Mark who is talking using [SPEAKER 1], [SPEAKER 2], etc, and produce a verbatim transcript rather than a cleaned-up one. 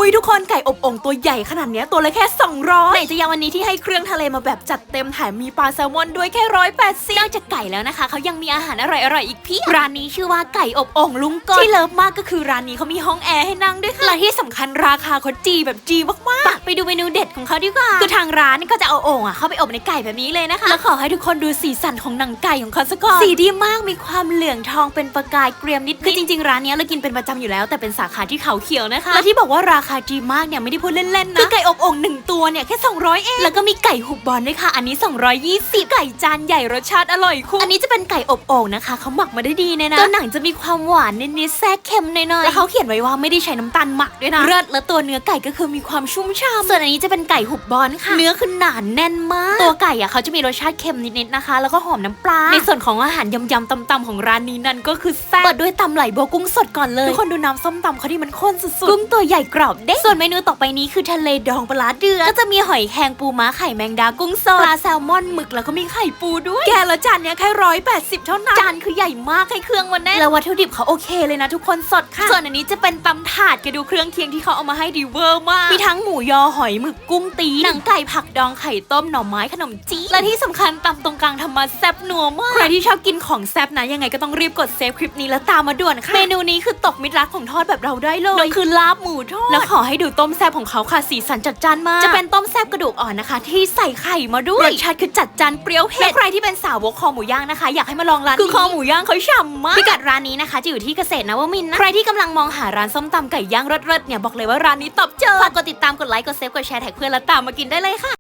[SPEAKER 1] ยทุกคนไก่อบโอ่งตัวใหญ่ขนาดเนี้ยตัวละแค่สองร้อยไหนจะยังวันนี้ที่ให้เครื่องทะเลมาแบบจัดเต็มแถมมีปลาแซลมอนด้วยแค่ร้อยแปดสิบนอกจากไก่แล้วนะคะเขายังมีอาหารอร่อยๆอีกเพียบร้านนี้ชื่อว่าไก่อบโอ่งลุงกอนที่เลิฟมากก็คือร้านนี้เขามีห้องแอร์ให้นั่งด้วยค่ะและที่สำคัญราคาเขาจีแบบจีมากๆไปดูเมนูเด็ดของเขาดีกว่าคือทางร้านก็จะเอาโอ่งอ่ะเข้าไปอบในไก่แบบนี้เลยนะคะแล้วขอให้ทุกคนดูสีสันของหนังไก่ของเขาซะก่อนสีดีมากมีความเหลืองทองเป็นประกายเกรียมนิดคือจริงๆร้านนี้เรากินเป็นประจำอยู่แล้วแต่เป็นสาขาที่เขาเขียวนะคะและที่บอกว่าราคาดีมากเนี่ยไม่ได้พูดเล่นๆนะคือไก่อบโอ่งหนึ่งตัวเนี่ยแค่สองร้อยเองแล้วก็มีไก่หุบบอลด้วยค่ะอันนี้สองร้อยยี่สิบไก่จานใหญ่รสชาติอร่อยคุ้มอันนี้จะเป็นไก่อบโอ่งนะคะเขาหมักมาได้ดีเนี่ยนะตัวหนังจะมีความหวานนิดๆแทรกเค็มหน่อยๆแล้วเขาเขียนไว้ว่าไม่ได้ใช้น้ำตาลหมักด้วยนะเลิศและตัวเนื้อไก่ก็คือมีความชุ่มฉ่ำส่วนอันนี้จะเป็นไก่หุบบอลค่ะเนื้อคือหนาแน่นมากตัวไก่อ่ะเขาจะมีรสชาติเค็มนิดๆนะคะแล้วก็หอมน้ำปลาในส่วนของอาหารยำๆตำๆของร้านนี้นั่นก็คือแซ่บเปิดด้วยตำไหลบัวกุ้งสดก่อนเลยทุกคนดูน้ำส้มตำเขาที่มันข้นสุดๆกุ้งตัวใหญ่กรอบเด้ส่วนเมนูต่อไปนี้คือทะเลดองปลาเดือดก็จะมีหอยแครงปูม้าไข่แมงดากุ้งสดปลาแซลมอนหมึกแล้วก็มีไข่ปูด้วยแกละจานเนี้ยแค่ร้อยแปดสิบเท่านั้นจานคือใหญ่มากให้เครื่องมันแน่แล้ววัตถุดิบเขาโอเคเลยนะทุกคนสดค่ะส่วนอันนี้จะเป็นตำถาดแกดูเครื่องเคียงที่เขาเอามาให้ดีเวอร์มากมีทั้งหมูยอหอยหมึกกุ้งตีหนังไก่ผักดองไข่ต้มหน่อไม้ขนมจีและที่สำคัญตำตรงกลางทำมาแซ่บนัวมากใครที่ชอบกินของแซ่บนะยังไงก็ต้องรีบกดเซฟคลิปนี้แล้วตามมาด่วนค่ะเมนูนี้คือตกมิตรรักของทอดแบบเราได้เลยนั่นคือลาบหมูทอดแล้วขอให้ดูต้มแซ่บของเขาค่ะสีสันจัดจ้านมากจะเป็นต้มแซ่บกระดูกอ่อนนะคะที่ใส่ไข่มาด้วยรสชาติคือจัดจ้านเปรี้ยวเผ็ดและใครที่เป็นสาวกคอหมูย่างนะคะอยากให้มาลองร้านนี้คือคอหมูย่างเขาฉ่ำมากพิกัดร้านนี้นะคะจะอยู่ที่เกษตรนวมินทร์นะใครที่กำลังมองหาร้านส้มตำไก่ย่างรสๆเนี่ยบอกเลยว่าร้านนี้ตอบโจทย์ฝากกดติดตามกดไลค์กดเซฟกดแชร์แท็กเพื่อนแล้วตามมากินได้เลยค่ะ